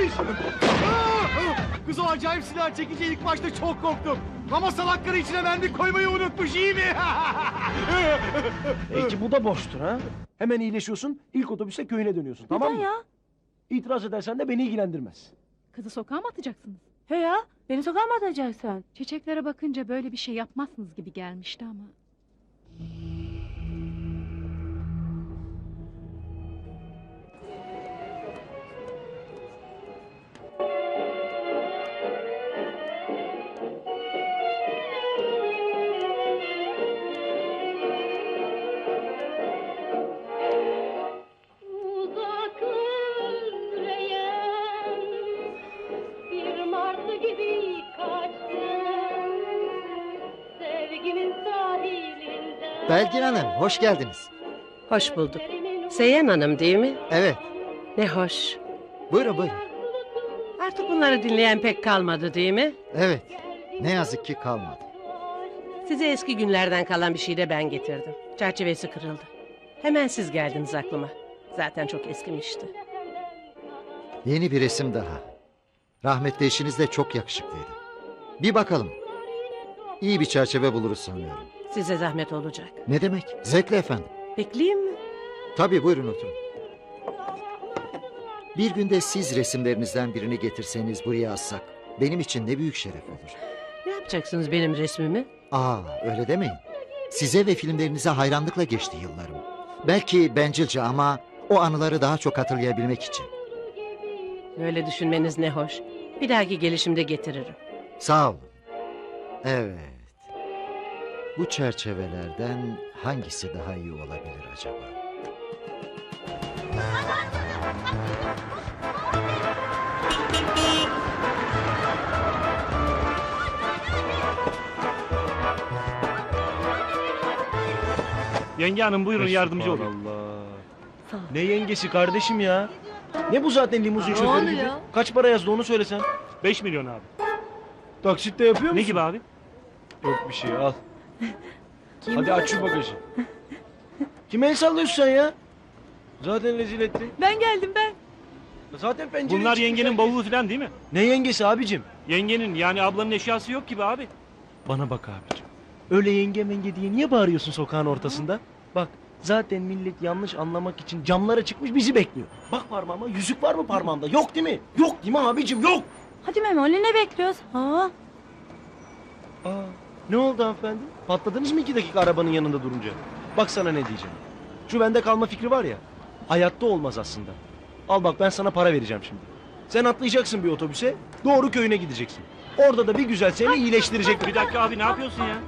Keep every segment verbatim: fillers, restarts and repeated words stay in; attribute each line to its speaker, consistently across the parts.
Speaker 1: Ateş! Kız o acayip silah çekince ilk başta çok korktum. Ama salakları içine mendil koymayı unutmuş, iyi mi?
Speaker 2: Belki bu da boştur ha. Hemen iyileşiyorsun, ilk otobüse köyüne dönüyorsun, tamam mı?
Speaker 3: ya?
Speaker 2: İtiraz edersen de beni ilgilendirmez.
Speaker 4: Kızı sokağa mı atacaksınız?
Speaker 3: He ya, beni sokağa mı atacaksın?
Speaker 4: Çiçeklere bakınca böyle bir şey yapmazsınız gibi gelmişti ama.
Speaker 5: Belgin Hanım, hoş geldiniz.
Speaker 6: Hoş bulduk. Seyhan Hanım değil mi?
Speaker 5: Evet,
Speaker 6: Ne hoş.
Speaker 5: buyurun buyurun.
Speaker 6: Artık bunları dinleyen pek kalmadı değil mi?
Speaker 5: Evet, ne yazık ki kalmadı.
Speaker 6: Size eski günlerden kalan bir şey de ben getirdim. Çerçevesi kırıldı. Hemen siz geldiniz aklıma. Zaten çok eskimişti.
Speaker 5: Yeni bir resim daha. Rahmetli eşiniz de çok yakışıklıydı. Bir bakalım. İyi bir çerçeve buluruz sanıyorum.
Speaker 6: Size zahmet olacak.
Speaker 5: Ne demek? Zevkle efendim.
Speaker 6: Bekleyeyim mi?
Speaker 5: Tabii buyurun oturun. Bir günde siz resimlerinizden birini getirseniz buraya assak, benim için ne büyük şeref olur.
Speaker 6: Ne yapacaksınız benim resmimi?
Speaker 5: Aa, öyle demeyin. Size ve filmlerinize hayranlıkla geçti yıllarım. Belki bencilce ama o anıları daha çok hatırlayabilmek için.
Speaker 6: Öyle düşünmeniz ne hoş. Bir dahaki gelişimde getiririm.
Speaker 5: Sağ olun. Evet. Bu çerçevelerden hangisi daha iyi olabilir acaba?
Speaker 1: Yenge hanım buyurun, yardımcı olun.
Speaker 2: Allah. Ne yengesi kardeşim ya? Ne bu zaten limuzin şoförü gibi? Kaç para yazdı onu söylesen.
Speaker 1: Beş milyon abi.
Speaker 2: Taksitte yapıyor musun?
Speaker 1: Ne gibi abi?
Speaker 2: Yok bir şey, al. Hadi aç şu bagajı. Kime el sallıyorsun sen ya? Zaten rezil ettin.
Speaker 3: Ben geldim ben.
Speaker 2: Zaten pencere
Speaker 1: Bunlar
Speaker 2: çıkmış
Speaker 1: yengenin
Speaker 2: herkes.
Speaker 1: bavulu falan değil mi?
Speaker 2: Ne yengesi abicim?
Speaker 1: Yengenin, yani ablanın eşyası yok gibi abi.
Speaker 2: Bana bak abicim. Öyle yenge menge diye niye bağırıyorsun sokağın ortasında? Bak zaten millet yanlış anlamak için camlara çıkmış bizi bekliyor. Bak parmağıma, yüzük var mı parmağımda? Yok değil mi? Yok değil mi abicim? Yok.
Speaker 3: Hadi Memoli, ne bekliyoruz? Ha?
Speaker 2: Aa, ne oldu hanımefendi? Patladınız mı iki dakika arabanın yanında durunca? Bak sana ne diyeceğim. Şu bende kalma fikri var ya. Hayatta olmaz aslında. Al bak, ben sana para vereceğim şimdi. Sen atlayacaksın bir otobüse, doğru köyüne gideceksin. Orada da bir güzel seni iyileştirecek.
Speaker 1: Bir dakika abi, ne yapıyorsun ya?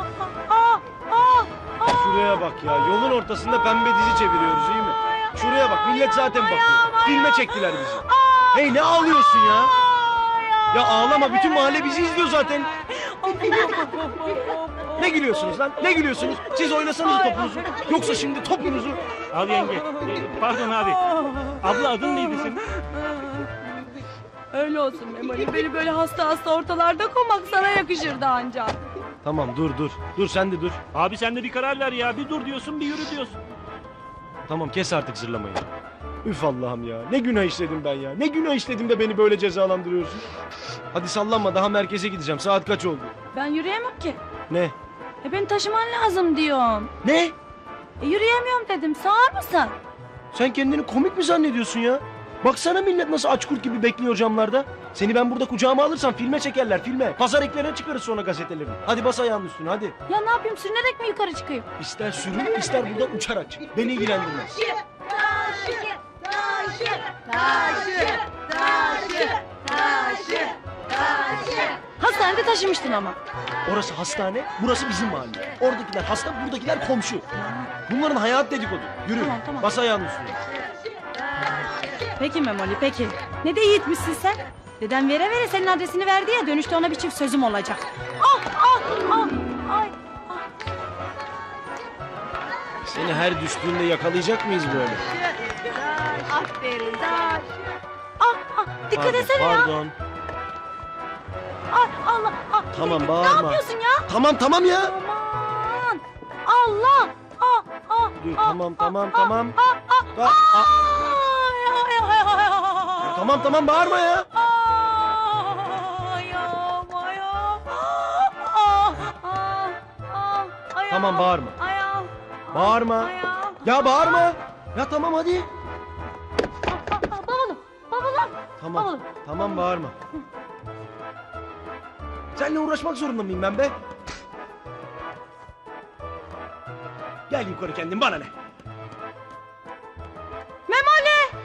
Speaker 2: Şuraya bak ya, yolun ortasında pembe dizi çeviriyoruz, iyi mi? Şuraya bak, millet zaten bakıyor. Filme çektiler bizi. Hey, ne ağlıyorsun ya? Ya ağlama, bütün mahalle bizi izliyor zaten. Ne gülüyorsunuz lan? Ne gülüyorsunuz? Siz oynasanız topunuzu. Yoksa şimdi topunuzu...
Speaker 1: Al yenge. Ee, Pardon abi. Abla, adın neydi senin?
Speaker 3: Öyle olsun Memoli, beni böyle hasta hasta ortalarda koymak sana yakışırdı ancak.
Speaker 2: Tamam, dur dur. Dur sen de dur.
Speaker 1: Abi sen de bir karar ver ya. Bir dur diyorsun, bir yürü diyorsun.
Speaker 2: Tamam, kes artık zırlamayı. Üf Allah'ım ya. Ne günah işledim ben ya. Ne günah işledim de beni böyle cezalandırıyorsun. Hadi sallanma, daha merkeze gideceğim. Saat kaç oldu?
Speaker 3: Ben yürüyemem ki.
Speaker 2: Ne?
Speaker 3: E beni taşıman lazım diyorum.
Speaker 2: Ne?
Speaker 3: E yürüyemiyorum dedim, sağır mısın?
Speaker 2: Sen kendini komik mi zannediyorsun ya? Baksana millet nasıl aç kurt gibi bekliyor camlarda. Seni ben burada kucağıma alırsam filme çekerler, filme. Pazar eklerine çıkarız sonra gazetelerini. Hadi bas ayağının üstüne, hadi.
Speaker 3: Ya ne yapayım, sürünerek mi yukarı çıkayım?
Speaker 2: İster sürün, ister burada uçarak çık. Beni ilgilendirmez.
Speaker 3: Hastanede taşımıştın ama.
Speaker 2: Orası hastane, burası bizim mahalle. Oradakiler hasta, buradakiler komşu. Bunların hayat dedikodu. Yürü,
Speaker 3: Tamam, tamam.
Speaker 2: bas ayağının üstüne.
Speaker 3: Peki Memoli, peki. Ne de yiğitmişsin sen. Dedem vere vere senin adresini verdi ya, dönüşte ona bir çift sözüm olacak. Ah ah ah ay.
Speaker 2: Seni her düştüğünde yakalayacak mıyız böyle?
Speaker 3: Aferin daş. Ah ah, dikkat
Speaker 2: Pardon,
Speaker 3: etsene ya.
Speaker 2: Pardon.
Speaker 3: Ay Allah. Ah,
Speaker 2: Tamam,
Speaker 3: ne
Speaker 2: bağırma.
Speaker 3: yapıyorsun ya?
Speaker 2: Tamam tamam ya.
Speaker 3: Aman. Allah. Ah ah.
Speaker 2: Dur
Speaker 3: ah,
Speaker 2: tamam
Speaker 3: ah,
Speaker 2: tamam
Speaker 3: ah,
Speaker 2: tamam.
Speaker 3: Ah ah.
Speaker 2: Ah, ah.
Speaker 3: Ay ay ay ay.
Speaker 2: Tamam tamam bağırma ya.
Speaker 3: Aa, ayağım, ayağım. Aa, aa, aa, aa, ayağım,
Speaker 2: Tamam, bağırma.
Speaker 3: Ayağım.
Speaker 2: Bağırma.
Speaker 3: Ayağım.
Speaker 2: Ya bağırma. Ya tamam hadi.
Speaker 3: Aa, aa, Bavulum, bavulum.
Speaker 2: Tamam.
Speaker 3: Bavulum.
Speaker 2: Tamam bağırma. Seninle uğraşmak zorunda mıyım ben be? Gel yukarı kendin bana ne?
Speaker 3: Memoli.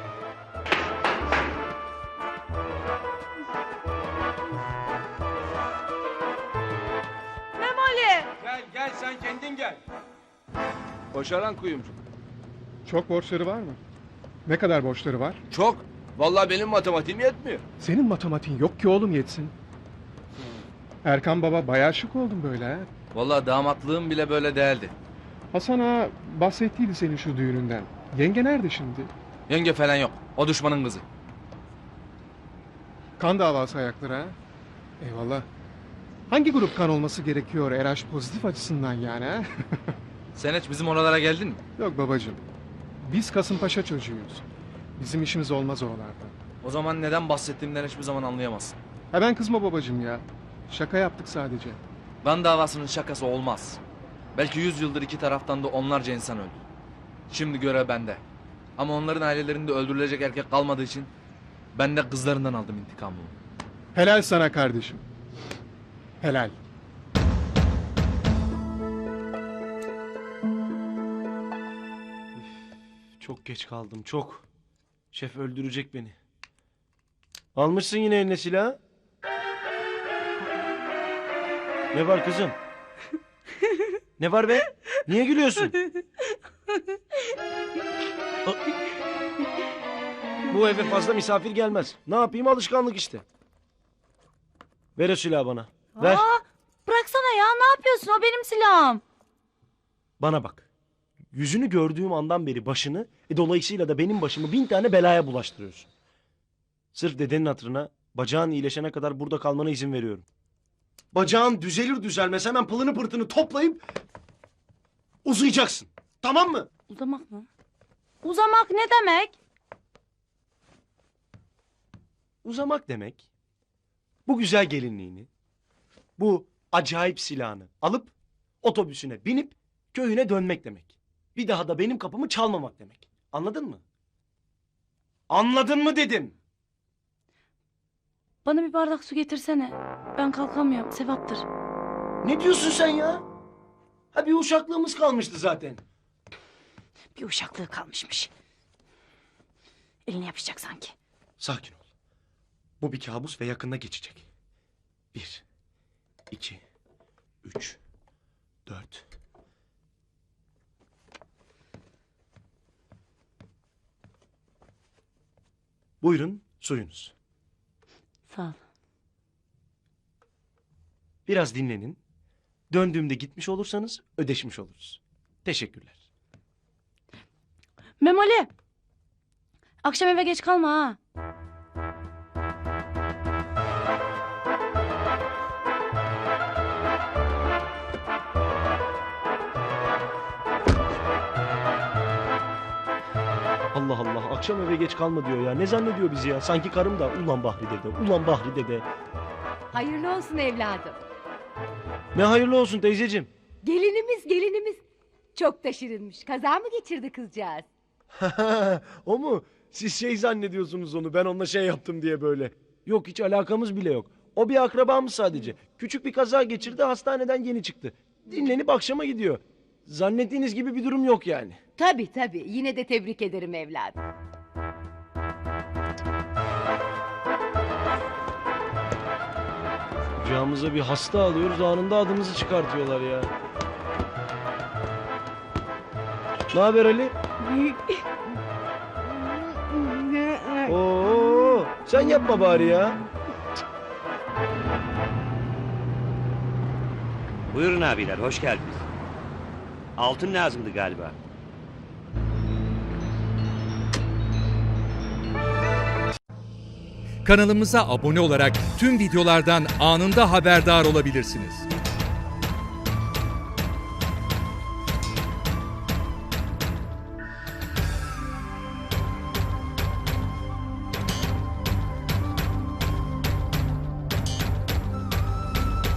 Speaker 3: Memoli.
Speaker 7: Gel gel sen kendin gel. Başaran kuyumcu.
Speaker 8: Çok borçları var mı? Ne kadar borçları var?
Speaker 7: Çok. Vallahi benim matematiğim yetmiyor.
Speaker 8: Senin matematiğin yok ki oğlum yetsin. Erkan baba bayağı şık oldun böyle ha.
Speaker 7: Vallahi damatlığım bile böyle değildi.
Speaker 8: Hasan ağa bahsettiydi senin şu düğününden. Yenge nerede şimdi?
Speaker 7: Yenge falan yok. O düşmanın kızı.
Speaker 8: Kan davası ayakları ha. Eyvallah. Hangi grup kan olması gerekiyor R H pozitif açısından yani ha?
Speaker 7: Sen hiç bizim oralara geldin mi?
Speaker 8: Yok babacığım. Biz Kasımpaşa çocuğuyuz. Bizim işimiz olmaz oralarda.
Speaker 7: O zaman neden bahsettiğimden hiçbir zaman anlayamazsın.
Speaker 8: Hemen kızma babacığım ya. Şaka yaptık sadece.
Speaker 7: Kan davasının şakası olmaz. Belki yüz yıldır iki taraftan da onlarca insan öldü. Şimdi görev bende. Ama onların ailelerinde öldürülecek erkek kalmadığı için ben de kızlarından aldım intikamımı.
Speaker 8: Helal sana kardeşim. Helal.
Speaker 2: Çok geç kaldım çok. Şef öldürecek beni. Almışsın yine eline silahı. Ne var kızım? Ne var be? Niye gülüyorsun? A- Bu eve fazla misafir gelmez. Ne yapayım, alışkanlık işte. Ver o silahı bana. Ver.
Speaker 3: Aa, bıraksana ya, ne yapıyorsun? O benim silahım.
Speaker 2: Bana bak. Yüzünü gördüğüm andan beri başını, e, dolayısıyla da benim başımı bin tane belaya bulaştırıyorsun. Sırf dedenin hatırına, bacağın iyileşene kadar burada kalmana izin veriyorum. Bacağın düzelir düzelmez hemen pılını pırtını toplayıp uzayacaksın. Tamam mı?
Speaker 3: Uzamak mı? Uzamak ne demek?
Speaker 2: Uzamak demek, bu güzel gelinliğini, bu acayip silahını alıp otobüsüne binip köyüne dönmek demek. Bir daha da benim kapımı çalmamak demek. Anladın mı? Anladın mı dedim.
Speaker 3: Bana bir bardak su getirsene. Ben kalkamıyorum, sevaptır.
Speaker 2: Ne diyorsun sen ya? Ha bir uşaklığımız kalmıştı zaten.
Speaker 3: Bir uşaklığı kalmışmış. Elini yapışacak sanki.
Speaker 2: Sakin ol. Bu bir kabus ve yakında geçecek. Bir, iki, üç, dört. Buyurun suyunuz.
Speaker 3: Sağ ol.
Speaker 2: Biraz dinlenin. Döndüğümde gitmiş olursanız ödeşmiş oluruz. Teşekkürler.
Speaker 3: Memoli. Akşam eve geç kalma ha.
Speaker 2: Allah Allah, akşam eve geç kalma diyor ya. Ne zannediyor bizi ya? Sanki karım da ulan Bahri dede, ulan Bahri dede.
Speaker 9: Hayırlı olsun evladım.
Speaker 2: Ne hayırlı olsun teyzeciğim.
Speaker 9: Gelinimiz gelinimiz. Çok da şirinmiş. Kaza mı geçirdi kızcağız?
Speaker 2: O mu? Siz şey zannediyorsunuz onu, ben onunla şey yaptım diye böyle. Yok, hiç alakamız bile yok. O bir akrabamız sadece. Küçük bir kaza geçirdi, hastaneden yeni çıktı. Dinlenip akşama gidiyor. Zannettiğiniz gibi bir durum yok yani.
Speaker 9: Tabii tabii. Yine de tebrik ederim evladım.
Speaker 2: Kucağımıza bir hasta alıyoruz, anında adımızı çıkartıyorlar ya. Ne haber Ali? Oo, sen yapma bari ya.
Speaker 10: Buyurun abiler, hoş geldiniz. Altın lazımdı galiba.
Speaker 11: Kanalımıza abone olarak tüm videolardan anında haberdar olabilirsiniz.